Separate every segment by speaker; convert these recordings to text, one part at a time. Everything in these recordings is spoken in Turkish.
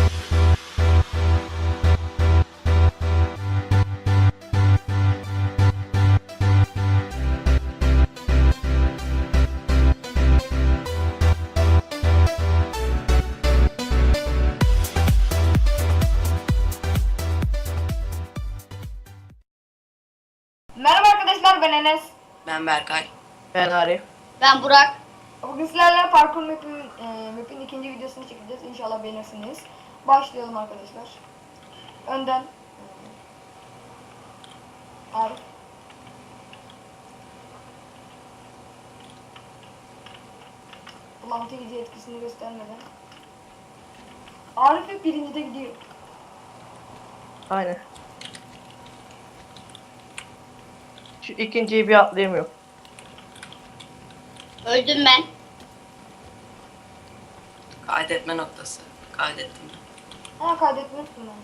Speaker 1: Merhaba arkadaşlar, ben Enes.
Speaker 2: Ben Berkay.
Speaker 3: Ben Arif.
Speaker 4: Ben Burak.
Speaker 1: Bugün sizlerle parkur map'in ikinci videosunu çekeceğiz. İnşallah beğenirsiniz. Başlayalım arkadaşlar. Önden Arif. Bulantı gidiyor, etkisini göstermeden. Arif hep birincide gidiyor.
Speaker 3: Aynen. Şu ikinciyi bir atlayamıyorum.
Speaker 4: Öldüm ben.
Speaker 2: Kaydetme noktası. Kaydettim.
Speaker 1: Ha, kaydetmiştim ben.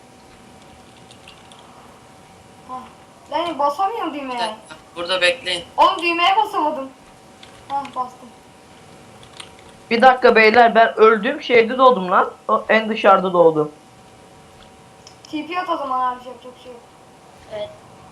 Speaker 1: Ha. Yani basamıyorum
Speaker 2: Bir
Speaker 1: düğmeye.
Speaker 2: dakika. Burada bekleyin.
Speaker 1: Oğlum düğmeye basamadım. Ha, bastım.
Speaker 3: Bir dakika beyler, ben öldüğüm şeyde doğdum lan. O en dışarıda doğdum.
Speaker 1: TP at o zaman Arif, yapacak bir şey yok.
Speaker 4: Evet.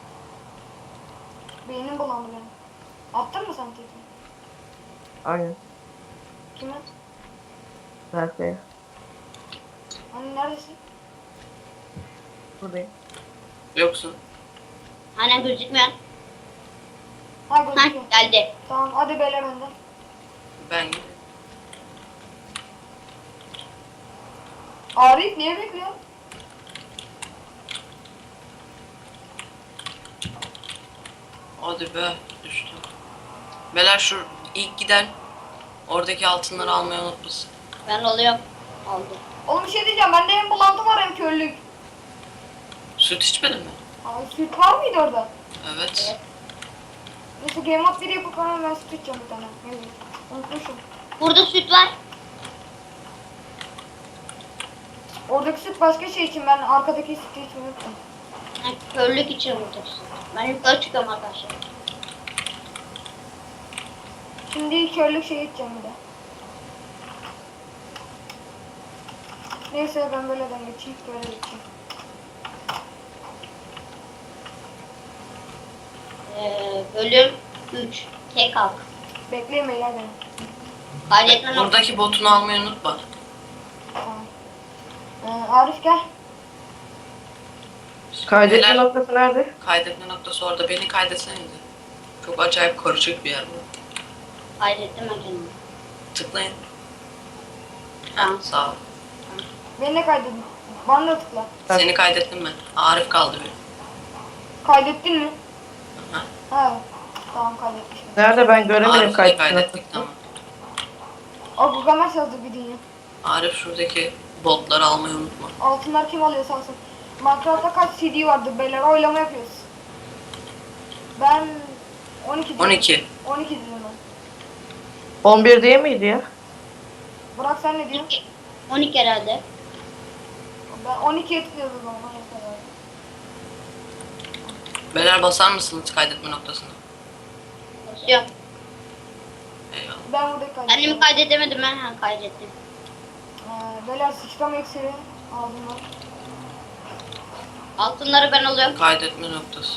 Speaker 1: Beynim bulandı benim. Attın mı sen TP?
Speaker 3: Aynen.
Speaker 1: Kime?
Speaker 3: Berkay'a.
Speaker 1: Hani neredesin?
Speaker 3: Buradayım.
Speaker 2: Yoksun.
Speaker 4: Hani gözükmüyor.
Speaker 1: Ha,
Speaker 4: Ha
Speaker 1: gözüküyor.
Speaker 4: geldi.
Speaker 1: Tamam, hadi beyler önden.
Speaker 2: Ben
Speaker 1: Arif niye bekliyor?
Speaker 2: hadi be düştüm. Beyler şu ilk giden oradaki altınları almayı unutmasın.
Speaker 4: Ben oluyorum. Oldu.
Speaker 1: Oğlum bir şey diyeceğim, bende hem bulantı var hem körlük.
Speaker 2: Süt içmedin mi?
Speaker 1: Abi süt var mıydı orada?
Speaker 2: Evet.
Speaker 1: Neyse game mode 1 yapıp hemen ben süt içeceğim bir tane. Evet. Unutmuşum.
Speaker 4: Burada süt var.
Speaker 1: Oradaki süt başka şey için, ben arkadaki sütü içmeyi unuttum.
Speaker 4: Ha, körlük için burada süt. Ben yukarı çıkıyorum arkadaşlar.
Speaker 1: Şimdi körlük şey içeceğim bir de. Neyse ben böyleden geçeyim, böyle geçeyim.
Speaker 4: Bölüm 3. Tek halk.
Speaker 1: Bekleyin beyler beni.
Speaker 4: Kaydetme noktası.
Speaker 2: Buradaki botunu almayı unutma.
Speaker 1: Tamam. Arif gel.
Speaker 3: Kaydetme
Speaker 2: Beyler,
Speaker 3: noktası nerede?
Speaker 2: kaydetme noktası orada. Beni kaydetsenize. Çok acayip karışık bir yer bu.
Speaker 4: Kaydettim ben kendimi.
Speaker 2: Tıklayın.
Speaker 4: Tamam.
Speaker 2: Sağ ol.
Speaker 1: Beni de kaydedin. Bana da tıkla.
Speaker 2: Seni kaydettim ben. Arif kaldı bir.
Speaker 1: Kaydettin mi?
Speaker 2: Aha.
Speaker 1: Ha. Tamam, kaydetmişim.
Speaker 3: Nerede, ben göremedim
Speaker 2: Arif'i
Speaker 3: kaydetme
Speaker 2: kaydettik
Speaker 3: noktasını.
Speaker 2: tamam.
Speaker 1: O Gugamesh yazdı bir dünya.
Speaker 2: Arif şuradaki botları almayı unutma.
Speaker 1: Altınlar kim alıyorsa alsın. Minecraft'ta kaç CD vardı beyler, oylama yapıyoruz. Ben 12 diyorum.
Speaker 2: 12.
Speaker 1: 12 diyorum ben.
Speaker 3: 11 değil miydi ya?
Speaker 1: Burak sen ne diyorsun?
Speaker 4: 12 herhalde.
Speaker 1: Ben 12'ye tıklıyordum o zaman. Mesela.
Speaker 2: Beyler basar mısınız kaydetme noktasına?
Speaker 4: Basıyorum.
Speaker 2: Eyvallah.
Speaker 1: Ben burada
Speaker 4: Kendimi
Speaker 1: kaydettim.
Speaker 4: kaydedemedim ben. Ha, kaydettim.
Speaker 1: Beyler sıçrama iksiri aldım ben.
Speaker 4: Altınları ben alıyorum.
Speaker 2: Kaydetme noktası.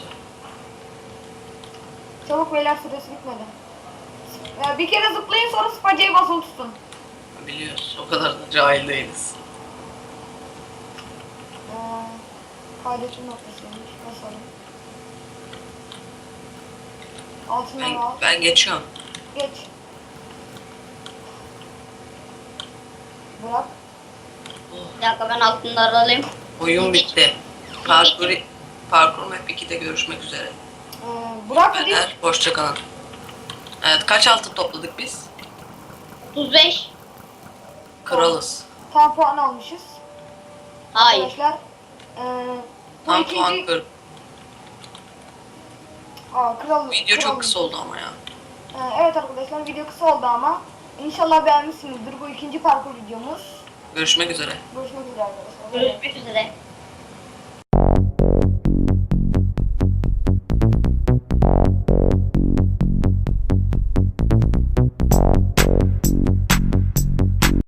Speaker 1: Çabuk beyler, süresi bitmedi. Bir kere zıplayın, sonra spacayı basılı tutun.
Speaker 2: Biliyoruz. O kadar da cahil değiliz.
Speaker 1: Kaydetme noktasıymış. Basalım. Altından
Speaker 2: Ben,
Speaker 1: al.
Speaker 2: ben geçiyorum.
Speaker 1: Geç. Bırak.
Speaker 4: Bir dakika ben altınları alayım.
Speaker 2: Oyun bitti. Parkur Map 2'de görüşmek üzere.
Speaker 1: Bırak hadi.
Speaker 2: Beyler hoşça kalın. Evet, kaç altın topladık biz?
Speaker 4: 35.
Speaker 2: Kralız.
Speaker 1: Tam puan almışız.
Speaker 4: Hayır.
Speaker 1: Arkadaşlar. Bu
Speaker 2: Tam
Speaker 1: ikinci...
Speaker 2: puan kır.
Speaker 1: Kral.
Speaker 2: Video
Speaker 1: kral-
Speaker 2: çok kısa oldu ama ya.
Speaker 1: Evet arkadaşlar, video kısa oldu ama İnşallah beğenmişsinizdir. Bu ikinci parkur videomuz.
Speaker 2: Görüşmek üzere.
Speaker 1: Görüşmek üzere arkadaşlar.
Speaker 4: Görüşmek üzere.